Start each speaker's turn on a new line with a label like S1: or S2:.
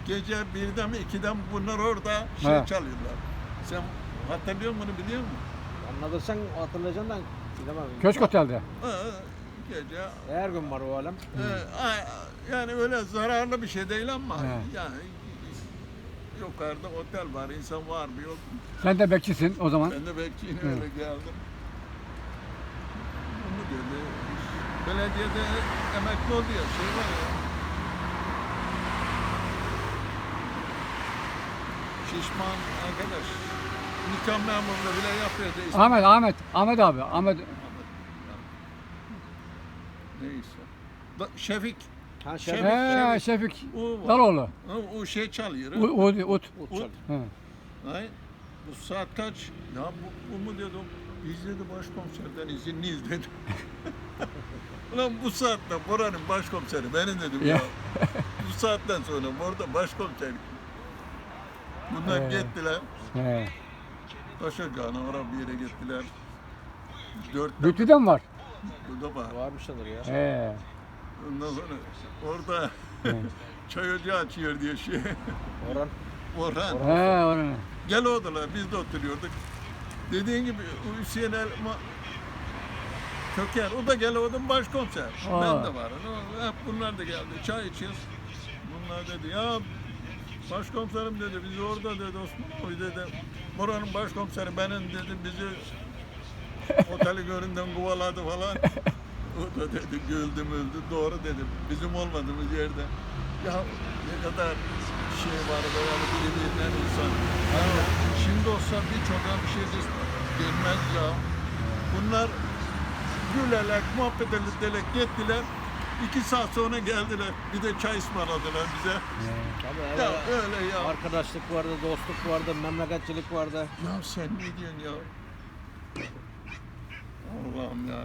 S1: gece 1'de mi 2'de mi bunlar orada şey
S2: He.
S1: çalıyorlar. Sen hatırlıyor musun, bunu biliyor musun?
S3: Anladıysan hatırlayacaksın da bilemem.
S2: Köşk Otel'de.
S1: Gece
S3: Her gün var o alem.
S1: yani öyle zararlı bir şey değil ama
S2: He.
S1: yani yukarıda otel var, insan var mı yok mu?
S2: Sen de bekçisin o zaman.
S1: Ben de bekçiyim, öyle geldim. Bunu dedi, belediyede emekli oldu ya, şey var ya. Şişman arkadaş, nikah memurluğu bile yapıyordu. İsmi-
S2: Ahmet abi. Ahmet.
S1: Neyse. Şefik.
S3: Ha
S1: Şefik.
S3: şeref.
S2: Şefik.
S1: O var.
S2: Daloğlu.
S1: O şey çalıyor.
S2: Ut.
S3: Uçak.
S2: He.
S1: Ay, bu saat kaç? Ya bu mu dedim. Biz dedi başkomiserden izinliyiz dedi. Ulan bu saatte buranın başkomiseri benim dedim ya. Bu saatten sonra orada başkomiser. Bunlar gittiler.
S2: He.
S1: Taşacağına oraya bir yere gittiler. 4'te
S2: Bütçü'de mi var?
S1: burada var.
S3: Varmış sanır ya.
S2: He.
S1: Ondan sonra orada çay ocağı açıyor diye şey.
S3: Orhan.
S1: Orhan.
S2: He, oraya.
S1: Gel odalar, biz de oturuyorduk. Dediğin gibi Hüseyin Elma Köker, o da gel odanın başkomiser.
S2: Aa.
S1: Ben de var. Hep bunlar da geldi. Çay içiyoruz. Bunlar dedi ya başkomiserim dedi, biz orada dedi Osman abi dedi. Buranın başkomiseri benim dedi, bizi oteli göründen kovaladı falan. O da dedi güldüm öldü. Doğru dedi. Bizim olmadığımız yerde. Ya ne kadar şey var böyle birbirinden insan. Ya, şimdi olsa birçok bir şey gelmez ya. Bunlar gülerek, muhabbet ederek gittiler. 2 saat sonra geldiler. Bir de çay ısmarladılar bize.
S3: Tabii
S1: Ya
S3: evet.
S1: öyle ya.
S3: Arkadaşlık vardı, dostluk vardı, memleketçilik vardı.
S1: Ya sen ne diyorsun ya?